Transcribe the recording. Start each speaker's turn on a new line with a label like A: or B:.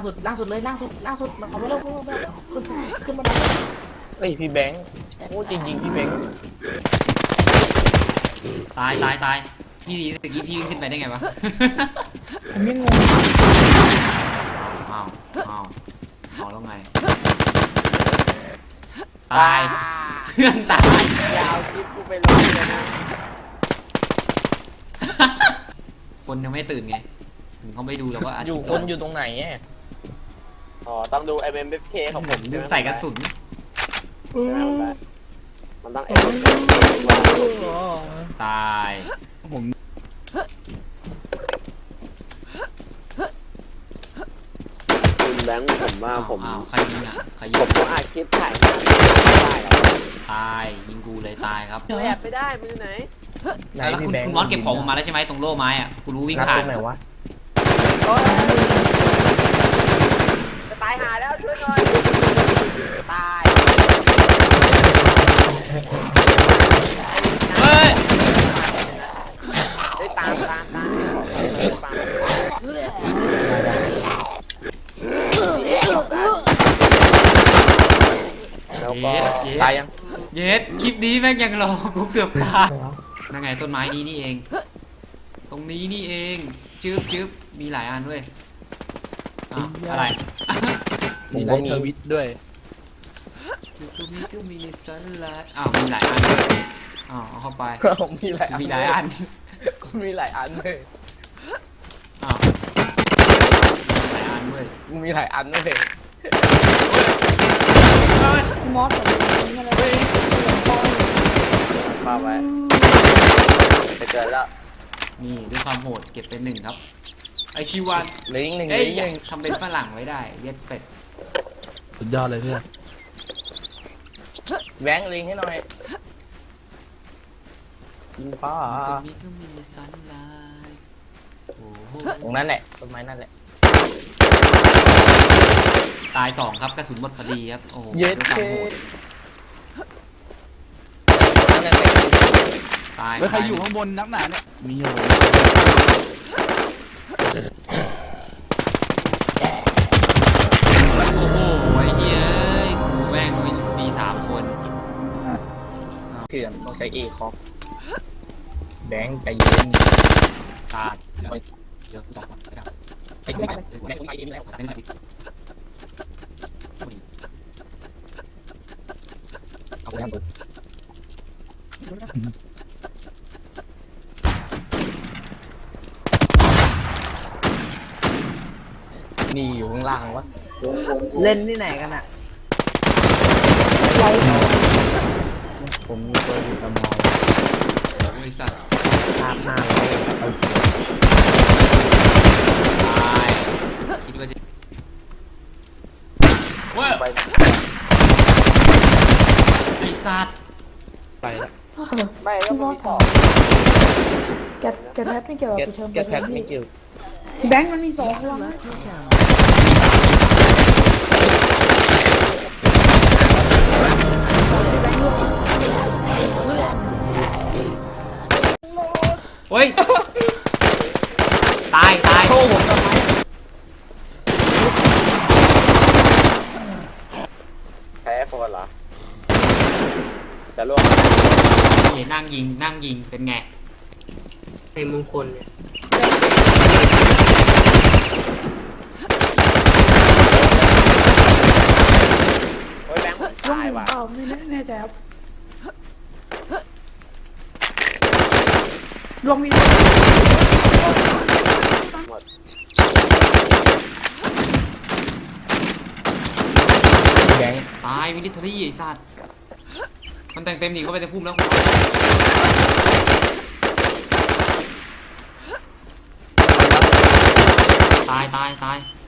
A: สุดเลยล่างสุดมันเอาไปแล้วขึ้นมาเฮ้ยพี่แบงค์โอ้จริงพี่แบงค์
B: ตายพี่ดีตะกี้พี่วิ่งขึ้นไปได้ไงวะ
C: ผมไม่งง
B: เอาแล้วไงตายเพื่อนตาย
A: ยาวคลิปกูไปลงเลยนะ
B: คนยังไม่ตื่นไงถึงเขาไม่ดูแล้วว่า
A: อยู่คนอยู่ตรงไหนอ๋อต้องดู MMFK ของผม
B: ลืมใส่กระสุน
A: มันต้อง
B: ตาย
C: ผม
A: คุณแบงค์ผมว่าผม
B: ใครยิงอ่ะ
A: ผมก็อาคลิปถ่ายได้
B: ตายยิงกูเลยตายครับ
A: แอบไปได้มือไหน
B: แล้วคุณมอสเก็บของมาแล้วใช่ไหมตรงโล่ไม้อ่ะกูรู้วิ่งผ่าน
A: ไหนวะจะตายหาแล้วช่วยหน่อยตาย
B: เฮ้ย
A: ได้ตามแล้วก็ตายยัง
B: เย็ดคลิปนี้แม่งยังรอกูเกือบตายนั่นไงต้นไม้นี้นี่เองตรงนี้นี่เองจึ๊บมีหลายอันด้วยอะไร
C: มีไลท์ทวิตด้วย
B: มีสันไลท์มีหลายอันด้วยเอาเข้าไป
A: มีหลายอัน
B: เลย
A: มีหลายอันเลย
B: หลายอันด้วย
A: มีหลายอันด้วย
C: มอสแบบนี้อะไร
A: มาไว้ไปเจอแล้ว
B: นี่ด้วยความโหดเก็บเป็น1ครับไอชิวัน
A: ลิง
B: ทำเป็นฝรั่งไว้ได้เย็ดเป็ด
C: สุดยอดเลยเพื่อน
A: แบงค์ลิงให้หน่อยยิงป้า
B: มีสันไลท์
A: ตรงนั้นแหละต้นไม้นั่นแหละ
B: ตาย2ครับกระสุนหมดพอดีครับโอ้โห
A: ด้วยความโหด
B: ตาย
C: แล้วใครอยู่ข้างบนนักหนาเนี่ยมีอยู่
B: โอ้โหไอ้เหี้ยกูแม่งมี3คน
A: เขื่อนต้องใช้เอคอฟแบงค์ใจเย็น
B: ตายเยอะจังไอ้กูแม่งไม่ยิงแล้วเอาไปทำนี่อยู่ข้างล่างวะเล่นที่ไหนกันอ่ะผมมีตัวอยู่ตะมองบริษัท
A: ภาพหน้าเรา
B: ตายคิดว่าจะว้าวไอ้สัตว์
A: ไปแล้วไม่แล้วมันมีต่อ
C: แกแพทไม่เกี่ยวกับเทอม
A: แกแพทไม่เกี่ยว
C: แบงค์มันมี2ตัว
B: เฮ้ยตาย
A: โทษผมทำไมแพ้โฟนเหรอจะล่วง
B: นี่นั่งยิงเป็นไง
A: ไอ้มงคลเนี่ยโอ้ยแบงค์ตายว่ะ
C: ไม่แน่ใจครับลงมี
A: แบงค์
B: ตายมิลิเทอรี่ไอ้สัตว์มันแต่งเต็มหนีเข้าไปในพุ่มแล้วตาย